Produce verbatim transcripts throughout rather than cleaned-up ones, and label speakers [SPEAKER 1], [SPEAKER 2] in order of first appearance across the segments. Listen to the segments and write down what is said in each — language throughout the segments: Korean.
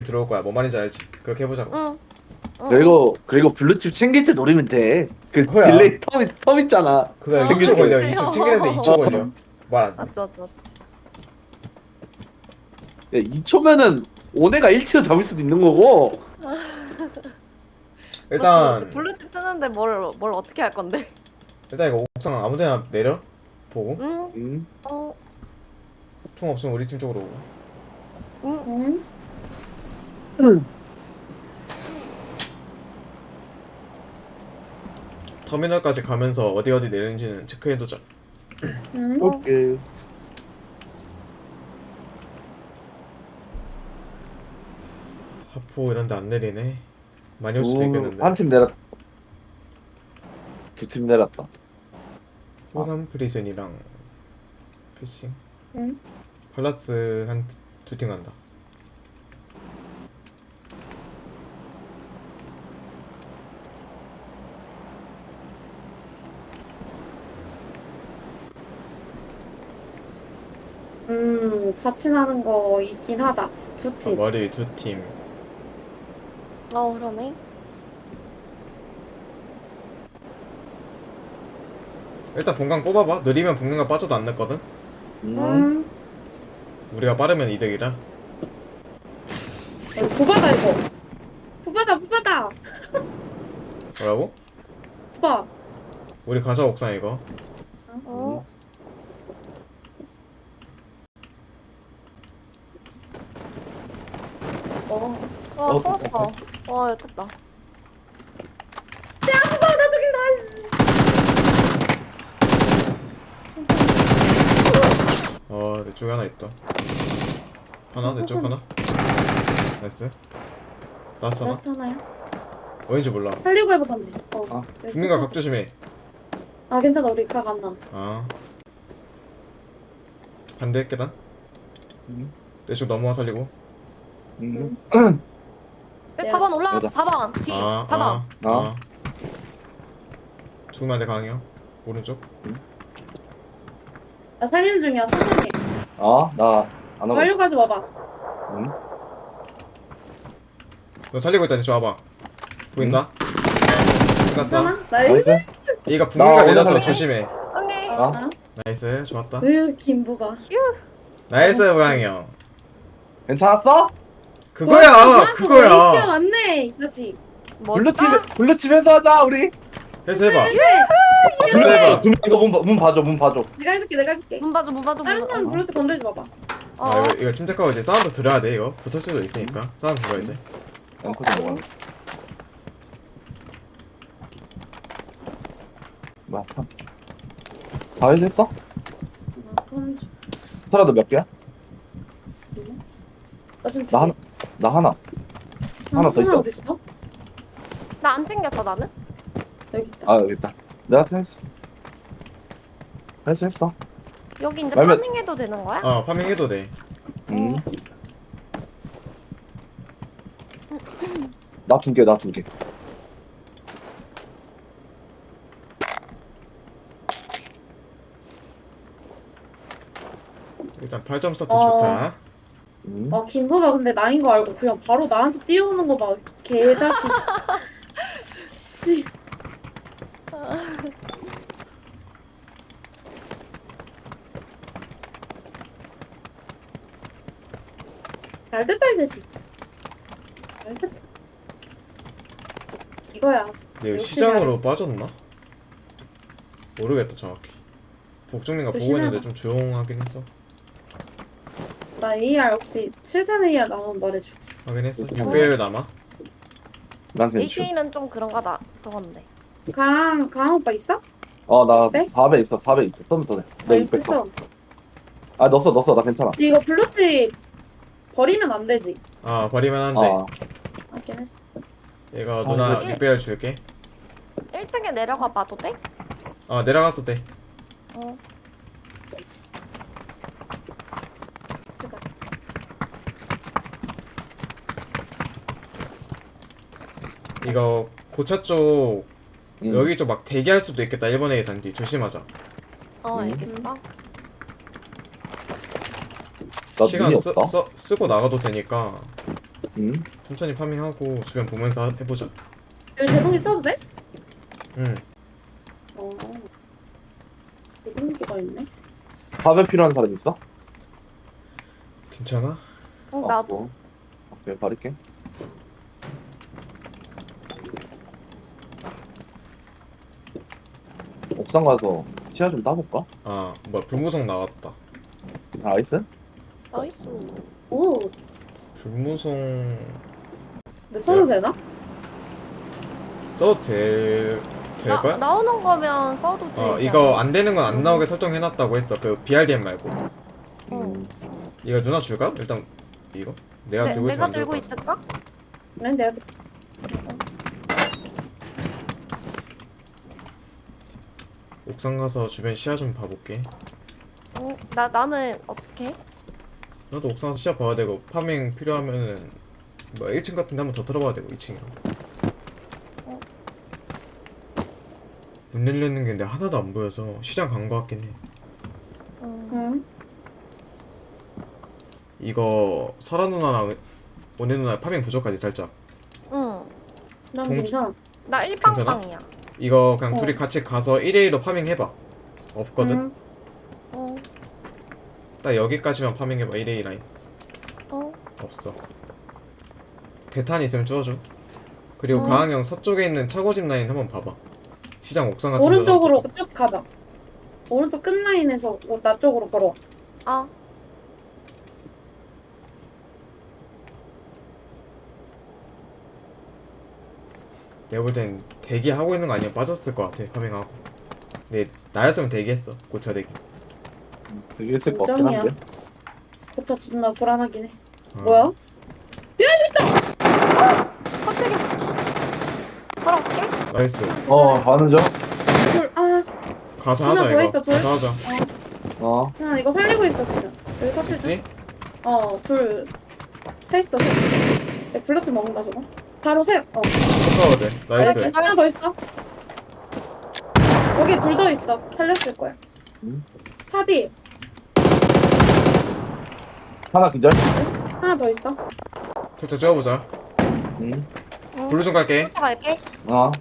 [SPEAKER 1] 들어올 거야. 뭔 말인지 알지? 그렇게 해보자고.
[SPEAKER 2] 응. 응.
[SPEAKER 3] 그리고 그리고 블루칩 챙길 때 노리면 돼. 그
[SPEAKER 1] 그거야.
[SPEAKER 3] 딜레이 텀, 텀 있잖아.
[SPEAKER 1] 그거
[SPEAKER 2] 아,
[SPEAKER 1] 이 초 걸려.
[SPEAKER 2] 그래요?
[SPEAKER 1] 이 초 챙기는데 이 초 걸려. 말 안 돼.
[SPEAKER 2] 맞지 맞지 맞지.
[SPEAKER 3] 야, 이 초면은 오네가 일 티어 잡을 수도 있는 거고.
[SPEAKER 1] 일단
[SPEAKER 2] 블루칩 뜨는데 뭘 뭘 어떻게 할 건데?
[SPEAKER 1] 일단 이거 옥상 아무데나 내려 보고
[SPEAKER 2] 응.
[SPEAKER 3] 음.
[SPEAKER 2] 어.
[SPEAKER 1] 총 없으면 우리 팀 쪽으로 오고.
[SPEAKER 2] 응.
[SPEAKER 3] 응.
[SPEAKER 1] 터미널까지 가면서 어디 어디 내리는지는 체크해두자.
[SPEAKER 2] 응.
[SPEAKER 3] 오케이.
[SPEAKER 1] 하포 이런데 안 내리네. 많이 올 수도 있겠는데.
[SPEAKER 3] 한 팀 내렸. 두 팀 내렸다.
[SPEAKER 1] 호삼 프리즌이랑 피싱.
[SPEAKER 2] 응.
[SPEAKER 1] 팔라스 한 두 팀 간다.
[SPEAKER 4] 음, 같이 나는 거 있긴 하다. 두
[SPEAKER 1] 아,
[SPEAKER 4] 팀.
[SPEAKER 1] 머리 두 팀.
[SPEAKER 2] 어 그러네.
[SPEAKER 1] 일단 본강 뽑아봐. 느리면 북능가 빠져도 안 늦거든.
[SPEAKER 3] 음.
[SPEAKER 4] 음,
[SPEAKER 1] 우리가 빠르면 이득이라.
[SPEAKER 4] 어, 부바다 이거. 부바다, 부바다.
[SPEAKER 1] 뭐라고?
[SPEAKER 4] 부바.
[SPEAKER 1] 우리 가자 옥상 이거.
[SPEAKER 2] 어.
[SPEAKER 4] 어.
[SPEAKER 2] 와
[SPEAKER 3] 어,
[SPEAKER 2] 뽑았어. 와 됐다.
[SPEAKER 4] 야, 부바, 나 저기 나이스.
[SPEAKER 1] 어, 내 쪽에 하나 있다. 하나, 내 쪽 하나. 나이스. 나왔어, 하나?
[SPEAKER 4] 라스트 하나야?
[SPEAKER 1] 어딘지 몰라.
[SPEAKER 4] 살리고 해보던지. 어.
[SPEAKER 3] 아,
[SPEAKER 4] 여기
[SPEAKER 1] 국민가
[SPEAKER 4] 꽂혀.
[SPEAKER 1] 각 조심해.
[SPEAKER 4] 아, 괜찮아. 우리 각 안 나.
[SPEAKER 1] 아. 반대 계단?
[SPEAKER 3] 음.
[SPEAKER 1] 내 쪽 넘어와 살리고.
[SPEAKER 3] 음.
[SPEAKER 4] 야.
[SPEAKER 2] 사 번 올라갔어.
[SPEAKER 3] 여기다.
[SPEAKER 2] 사 번 뒤.
[SPEAKER 1] 아,
[SPEAKER 2] 사 번.
[SPEAKER 1] 아,
[SPEAKER 3] 아.
[SPEAKER 1] 아. 죽으면 안 돼, 강이요. 오른쪽.
[SPEAKER 4] 나 살리는 중이야. 천천히.
[SPEAKER 3] 아, 나안 하고
[SPEAKER 4] 빨리
[SPEAKER 3] 있어.
[SPEAKER 4] 가지 마봐.
[SPEAKER 3] 음.
[SPEAKER 1] 너 살리고 있다, 이쪽 와봐. 보인다? 끝났어.
[SPEAKER 4] 괜찮아? 나이스.
[SPEAKER 3] 나이스.
[SPEAKER 1] 얘가 북민가
[SPEAKER 3] 나
[SPEAKER 1] 내려서
[SPEAKER 3] 올라갈게.
[SPEAKER 1] 조심해.
[SPEAKER 2] 응애.
[SPEAKER 3] 아.
[SPEAKER 4] 어?
[SPEAKER 1] 나이스, 좋았다.
[SPEAKER 4] 으, 김부가.
[SPEAKER 1] 나이스, 강이 형.
[SPEAKER 3] 괜찮았어?
[SPEAKER 1] 그거야,
[SPEAKER 4] 에이티어
[SPEAKER 1] 그거야.
[SPEAKER 4] 맞네, 이 자식.
[SPEAKER 3] 블루칩
[SPEAKER 2] 멋있다.
[SPEAKER 3] 블루칩에서 하자 우리.
[SPEAKER 1] 해서 해봐.
[SPEAKER 4] 그래.
[SPEAKER 1] 해서 해봐.
[SPEAKER 3] 문 이거 문, 봐- 문 봐줘 문 봐줘.
[SPEAKER 4] 내가 해줄게, 내가 해줄게.
[SPEAKER 2] 문 봐줘 문 봐줘.
[SPEAKER 4] 다른
[SPEAKER 2] 문
[SPEAKER 4] 사람
[SPEAKER 2] 봐줘.
[SPEAKER 4] 불러서 건들지 마봐.
[SPEAKER 2] 어.
[SPEAKER 1] 아, 이거, 이거 침착하고 이제 사운드 들어야 돼, 이거. 붙을 수도 있으니까. 사운드 들어야지.
[SPEAKER 3] 앵커 좀 먹어. 뭐야? 다 해줬어?
[SPEAKER 4] 아, 하는 중.
[SPEAKER 3] 사라도 몇 개야?
[SPEAKER 4] 나 지금
[SPEAKER 3] 나 하나. 나 하나. 하나 더 있어.
[SPEAKER 4] 어디 있어?
[SPEAKER 2] 나 안 챙겼어 나는.
[SPEAKER 4] 여기 있다.
[SPEAKER 3] 아 여기 있다. 내가 했어. 했어 했어.
[SPEAKER 2] 여기 이제
[SPEAKER 3] 말면-
[SPEAKER 2] 파밍해도 되는 거야?
[SPEAKER 1] 어, 파밍해도 돼.
[SPEAKER 3] 음. 나 두 개, 나 두 개.
[SPEAKER 1] 일단 팔 점 스타트
[SPEAKER 4] 어.
[SPEAKER 1] 좋다.
[SPEAKER 3] 음.
[SPEAKER 4] 아, 김부가 근데 나인 거 알고 그냥 바로 나한테 뛰어오는 거 봐. 개자식. 씨. 잘 됐다, 이 자식. 잘 됐다. 이거야.
[SPEAKER 1] 근데 이거
[SPEAKER 4] 역시
[SPEAKER 1] 시장으로 빠졌나? 모르겠다 정확히. 복중민가 보고
[SPEAKER 4] 조심해봐.
[SPEAKER 1] 있는데 좀 조용하긴 했어.
[SPEAKER 4] 나 에이알 혹시 칠 탄 에이알 나오면 말해줘.
[SPEAKER 1] 하긴 했어. 육 배율 남아.
[SPEAKER 3] 난 그냥 주.
[SPEAKER 2] 에이케이는 좀 그런가 다 그건데.
[SPEAKER 4] 강, 강 오빠 있어?
[SPEAKER 3] 어, 나
[SPEAKER 4] 네?
[SPEAKER 3] 사 배 있어, 사 배 있어. 좀 더 돼.
[SPEAKER 4] 나
[SPEAKER 3] 내
[SPEAKER 4] 이거
[SPEAKER 3] 육백 거.
[SPEAKER 4] 있어.
[SPEAKER 3] 아, 넣었어, 넣었어. 나 괜찮아.
[SPEAKER 4] 이거 블루칩 버리면 안 되지.
[SPEAKER 1] 아 버리면 안 돼.
[SPEAKER 3] 아,
[SPEAKER 4] 맞긴 했어.
[SPEAKER 1] 얘가
[SPEAKER 3] 아,
[SPEAKER 1] 누나
[SPEAKER 2] 이거-
[SPEAKER 1] 육 배율 줄게.
[SPEAKER 2] 일 층에 내려가 봐도 돼?
[SPEAKER 1] 아 내려갔어 돼.
[SPEAKER 2] 어.
[SPEAKER 4] 찍어.
[SPEAKER 1] 이거 고차 쪽
[SPEAKER 3] 음.
[SPEAKER 1] 여기 쪽 막 대기할 수도 있겠다. 일본 A 단디 조심하자.
[SPEAKER 2] 어
[SPEAKER 3] 음.
[SPEAKER 2] 알겠어.
[SPEAKER 3] 나
[SPEAKER 1] 시간
[SPEAKER 3] 눈이
[SPEAKER 1] 쓰,
[SPEAKER 3] 없다.
[SPEAKER 1] 써, 쓰고 나가도 되니까.
[SPEAKER 3] 응?
[SPEAKER 1] 천천히 파밍하고 주변 보면서 해보자.
[SPEAKER 4] 여기 제동기 써도 돼?
[SPEAKER 1] 응.
[SPEAKER 4] 어. 제동기가 있네.
[SPEAKER 3] 밥에 필요한 사람 있어?
[SPEAKER 1] 괜찮아?
[SPEAKER 2] 응, 나도.
[SPEAKER 3] 어, 오케이, 바를게. 옥상 가서 시야 좀 따볼까?
[SPEAKER 1] 아 뭐야 불무성 나왔다.
[SPEAKER 3] 나이스?
[SPEAKER 2] 나이스.
[SPEAKER 4] 오.
[SPEAKER 1] 불무성
[SPEAKER 4] 근데 써도 되나?
[SPEAKER 1] 써도 될
[SPEAKER 2] 나,
[SPEAKER 1] 될걸?
[SPEAKER 2] 나오는 거면 써도 돼.
[SPEAKER 1] 어 이거 안 되는 건 안 나오게 설정해놨다고 했어. 그 비알디엠 말고.
[SPEAKER 2] 응.
[SPEAKER 1] 이거 누나 줄까? 일단 이거 내가
[SPEAKER 2] 네,
[SPEAKER 1] 들고 있으면
[SPEAKER 2] 내가
[SPEAKER 1] 안 될
[SPEAKER 2] 들고
[SPEAKER 1] 것 같아.
[SPEAKER 2] 있을까?
[SPEAKER 4] 네, 내가
[SPEAKER 1] 옥상 가서 주변 시야 좀 봐볼게.
[SPEAKER 2] 응. 나 나는 어떻게?
[SPEAKER 1] 나도 옥상 가서 시야 봐야 되고 파밍 필요하면은 뭐 일 층 같은데 한번 더 들어봐야 되고 이 층이랑.
[SPEAKER 2] 어.
[SPEAKER 1] 문 열리는 게 근데 하나도 안 보여서 시장 간 거 같긴 해.
[SPEAKER 2] 응.
[SPEAKER 4] 응.
[SPEAKER 1] 이거 설아 누나랑 오네 누나 파밍 부족하지 살짝.
[SPEAKER 2] 응.
[SPEAKER 4] 난
[SPEAKER 1] 동-
[SPEAKER 4] 괜찮아.
[SPEAKER 2] 나 일빵빵이야.
[SPEAKER 1] 이거 그냥
[SPEAKER 4] 어.
[SPEAKER 1] 둘이 같이 가서 일 대 일로 파밍 해봐. 없거든?
[SPEAKER 4] 응.
[SPEAKER 2] 응.
[SPEAKER 1] 딱 여기까지만 파밍 해봐. 일 대 일 라인.
[SPEAKER 2] 응.
[SPEAKER 1] 없어. 대탄 있으면 주워줘. 그리고
[SPEAKER 2] 어.
[SPEAKER 1] 가항형 서쪽에 있는 차고집 라인 한번 봐봐. 시장 옥상 같은
[SPEAKER 4] 오른쪽으로
[SPEAKER 1] 데도
[SPEAKER 4] 쭉 가봐. 오른쪽 끝 라인에서 나 쪽으로 걸어.
[SPEAKER 2] 아.
[SPEAKER 1] 내가 볼 땐 대기하고 있는 거 아니면 빠졌을 것 같아. 파밍하고. 근데 나였으면 대기했어. 고차 대기.
[SPEAKER 3] 되게 있을 것 같긴
[SPEAKER 4] 인정이야.
[SPEAKER 3] 한데.
[SPEAKER 4] 그쵸, 존나 불안하긴 해.
[SPEAKER 1] 어.
[SPEAKER 4] 뭐야?
[SPEAKER 2] 깜짝이야. 걸어갈게.
[SPEAKER 1] 나이스.
[SPEAKER 3] 어, 가는 중?
[SPEAKER 4] 둘, 아,
[SPEAKER 1] 가서
[SPEAKER 4] 누나
[SPEAKER 1] 하자
[SPEAKER 4] 뭐
[SPEAKER 1] 이거.
[SPEAKER 4] 있어, 둘?
[SPEAKER 1] 가서 하자.
[SPEAKER 3] 어.
[SPEAKER 4] 나 이거 살리고 있어, 지금. 여기 커트 중.
[SPEAKER 1] 죽지?
[SPEAKER 4] 어, 둘. 셋 있어, 셋. 내 블루투 먹는다, 저거. 바로 셋. 어.
[SPEAKER 1] poka워 돼. 나이스.
[SPEAKER 4] 여기 하나 더 있어. 거기 둘 더 있어. 살렸을 거야.
[SPEAKER 3] 응?
[SPEAKER 4] 파디.
[SPEAKER 3] 하나 기절?
[SPEAKER 4] 하나 더 있어.
[SPEAKER 1] 살짝 찍어보자.
[SPEAKER 3] 응.
[SPEAKER 2] 응.
[SPEAKER 1] 블루 좀 갈게.
[SPEAKER 2] 쫓아갈게.
[SPEAKER 3] 어.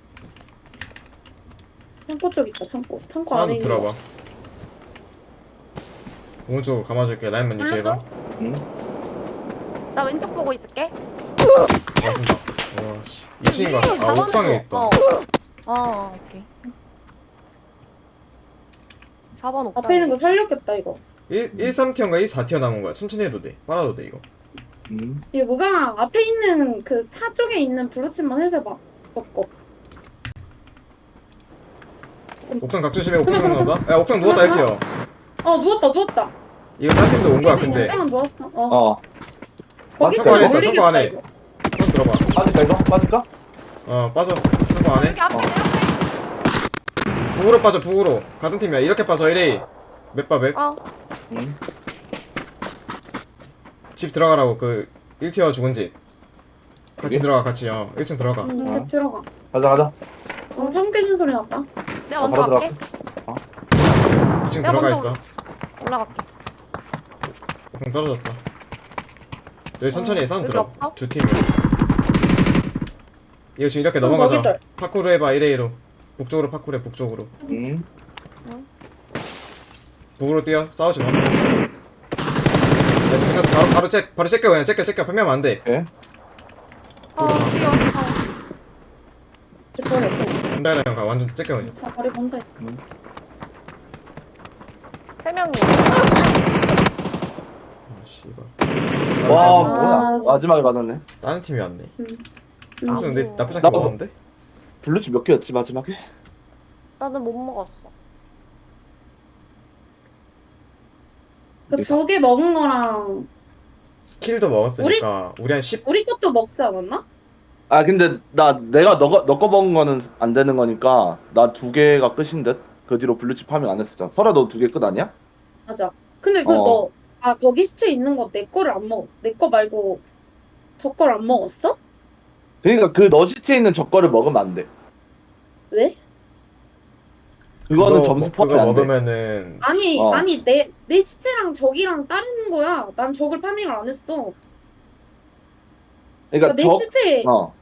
[SPEAKER 4] 창고 쪽 있다, 창고. 창고 안에
[SPEAKER 1] 하나 더
[SPEAKER 4] 있는
[SPEAKER 1] 들어봐.
[SPEAKER 4] 거.
[SPEAKER 1] 오른쪽으로 감아줄게. 라인만 유지해봐.
[SPEAKER 3] 응.
[SPEAKER 2] 나 왼쪽 보고 있을게.
[SPEAKER 1] 맞습니다. 와씨. 이 층인가? 아
[SPEAKER 2] 사 번으로.
[SPEAKER 1] 옥상에 있다.
[SPEAKER 2] 어. 어, 오케이. 사 번 옥상.
[SPEAKER 4] 앞에 있는 거 살렸겠다, 이거.
[SPEAKER 1] 일, 일, 삼 티어인가 일, 사 티어 남은 거야. 천천히 해도 돼. 빨아도 돼 이거.
[SPEAKER 3] 응.
[SPEAKER 4] 이게 뭐가 앞에 있는 그 차 쪽에 있는 블루칩만 해줘봐. 걷고.
[SPEAKER 1] 옥상 각 조심해. 옥상
[SPEAKER 4] 그래, 그래,
[SPEAKER 1] 누웠다. 야 옥상 누웠다 일 티어.
[SPEAKER 4] 어, 누웠다, 누웠다.
[SPEAKER 1] 이거 딴 팀도 온 거야 근데.
[SPEAKER 4] 땡 누웠어. 어.
[SPEAKER 3] 어.
[SPEAKER 4] 거기
[SPEAKER 3] 창고 안에
[SPEAKER 1] 있다,
[SPEAKER 4] 올리겠다,
[SPEAKER 1] 창고 안에.
[SPEAKER 4] 이거.
[SPEAKER 1] 손 들어봐.
[SPEAKER 3] 빠질까, 이거? 빠질까?
[SPEAKER 1] 어 빠져. 창고 안에.
[SPEAKER 2] 여기 앞에 내 앞에.
[SPEAKER 1] 북으로 빠져 북으로. 같은 팀이야. 이렇게 빠져 일 에이. 맵봐 맵.
[SPEAKER 2] 어.
[SPEAKER 3] 응.
[SPEAKER 1] 집 들어가라고. 그 일 티어 죽은 집. 같이
[SPEAKER 3] 여기?
[SPEAKER 1] 들어가 같이. 어 일 층 들어가.
[SPEAKER 4] 응,
[SPEAKER 3] 어.
[SPEAKER 4] 집 들어가.
[SPEAKER 3] 가자, 가자.
[SPEAKER 4] 어, 창 깨진 소리 났다.
[SPEAKER 2] 내가
[SPEAKER 3] 어,
[SPEAKER 2] 먼저
[SPEAKER 3] 바로
[SPEAKER 2] 갈게.
[SPEAKER 1] 이 층
[SPEAKER 2] 내가
[SPEAKER 1] 들어가
[SPEAKER 2] 먼저
[SPEAKER 1] 있어.
[SPEAKER 2] 올라갈게.
[SPEAKER 1] 옥상 떨어졌다. 여기 천천히 해. 싸움
[SPEAKER 2] 여기
[SPEAKER 1] 들어.
[SPEAKER 2] 없어?
[SPEAKER 1] 두 팀이야. 이거 지금 이렇게
[SPEAKER 4] 좀
[SPEAKER 1] 넘어가자.
[SPEAKER 4] 거기들.
[SPEAKER 1] 파쿠르 해봐 일 에이로. 북쪽으로 파쿠르 해 북쪽으로.
[SPEAKER 3] 응.
[SPEAKER 1] 북으로 뛰어. 싸우지 마. 야, 지금 끝났어. 바로 바로 চে 바로 째껴 그냥 째껴 째껴 판매하면 안 돼.
[SPEAKER 3] 오케이.
[SPEAKER 2] 어, 뛰어. 어.
[SPEAKER 4] 집 버려. 어.
[SPEAKER 1] 한달에 가 완전 째껴 그냥.
[SPEAKER 4] 아, 버리 혼자 있다.
[SPEAKER 2] 세 명이.
[SPEAKER 1] 아 씨발.
[SPEAKER 3] 와,
[SPEAKER 4] 아,
[SPEAKER 3] 뭐야.
[SPEAKER 4] 진짜.
[SPEAKER 3] 마지막에 받았네.
[SPEAKER 1] 다른 팀이 왔네.
[SPEAKER 4] 응.
[SPEAKER 1] 무슨 근데 나쁘지 않게
[SPEAKER 3] 나도.
[SPEAKER 1] 먹었는데?
[SPEAKER 3] 블루칩 몇 개였지, 마지막에?
[SPEAKER 2] 나는 못 먹었어.
[SPEAKER 4] 그 두 개 먹은 거랑
[SPEAKER 1] 킬도 먹었으니까 우리, 한 십.
[SPEAKER 4] 우리 것도 먹지 않았나?
[SPEAKER 3] 아, 근데 나, 내가 너거, 너거 먹은 거는 안 되는 거니까 나 두 개가 끝인 듯? 그 뒤로 블루칩 파밍 안 했었잖아. 설아, 너 두 개 끝 아니야?
[SPEAKER 4] 맞아. 근데 그
[SPEAKER 3] 어.
[SPEAKER 4] 너, 아, 거기 시체 있는 거 내 거를 안 먹, 내 거 말고 저 걸 안 먹었어?
[SPEAKER 3] 그러니까 그 너 시체에 있는 저 거를 먹으면 안 돼.
[SPEAKER 4] 왜?
[SPEAKER 3] 그거는
[SPEAKER 1] 그거
[SPEAKER 3] 점수
[SPEAKER 1] 먹-
[SPEAKER 3] 포함이
[SPEAKER 1] 그거
[SPEAKER 3] 안 돼.
[SPEAKER 1] 먹으면은
[SPEAKER 4] 아니,
[SPEAKER 3] 어.
[SPEAKER 4] 아니, 내, 내 시체랑 저기랑 다른 거야. 난 저걸 파밍을 안 했어.
[SPEAKER 3] 그러니까
[SPEAKER 4] 내
[SPEAKER 3] 적
[SPEAKER 4] 시체
[SPEAKER 3] 어